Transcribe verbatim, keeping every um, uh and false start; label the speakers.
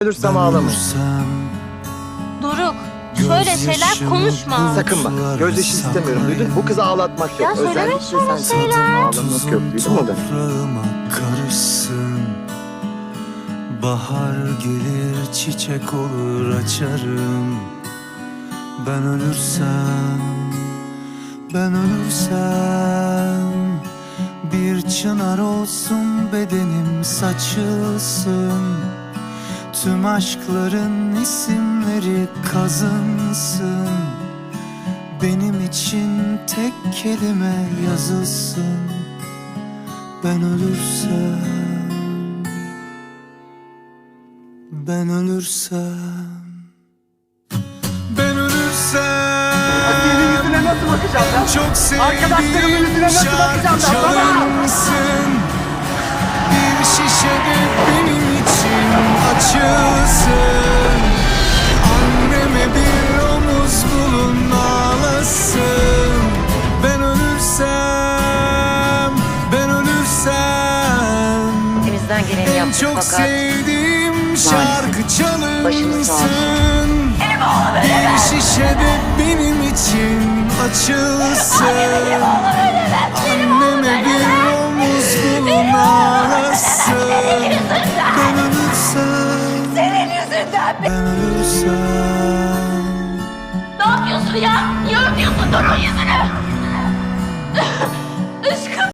Speaker 1: Ölürsem ağlamayın.
Speaker 2: Doruk, şöyle şeyler konuşma.
Speaker 1: Sakın bak. Gözyaşı istemiyorum, duydun mu? Bu kızı ağlatmak yok.
Speaker 2: Ya söyleme
Speaker 1: Özellikle
Speaker 2: şöyle
Speaker 1: sen
Speaker 2: şeyler.
Speaker 1: ağlamak yok, duydun mu da?
Speaker 3: Karışsın. Bahar gelir, çiçek olur açarım. Ben ölürsem, ben ölürsem bir çınar olsun bedenim saçılsın. Tüm aşkların isimleri kazınsın. Benim için tek kelime yazılsın. Ben ölürsem, ben ölürsem, ben ölürsem.
Speaker 1: Senin yüzüne nasıl bakacağım ben?
Speaker 3: Çok
Speaker 1: Arkadaşlarımın yüzüne
Speaker 3: sevdiğim
Speaker 1: nasıl bakacağım
Speaker 3: şarkı
Speaker 1: ben? Baba!
Speaker 3: çalınsın. Bir şişe de benim için açılsın. Anneme bir omuz bulun ağlasın. Ben ölürsem, ben ölürsem
Speaker 4: Elimizden geleni
Speaker 3: en
Speaker 4: yaptık
Speaker 3: çok
Speaker 4: fakat
Speaker 3: sevdiğim şarkı
Speaker 4: Başınız sağ olsun.
Speaker 3: çalınsın. Bir şişe de benim için açılsın. Anneme bir omuz bulun ağlasın. Ben ölürsem,
Speaker 2: Senin yüzünden.
Speaker 3: ben ölürsem,
Speaker 2: Ne yapıyorsun ya? Niye öpüyorsun Doruk'un yüzünü?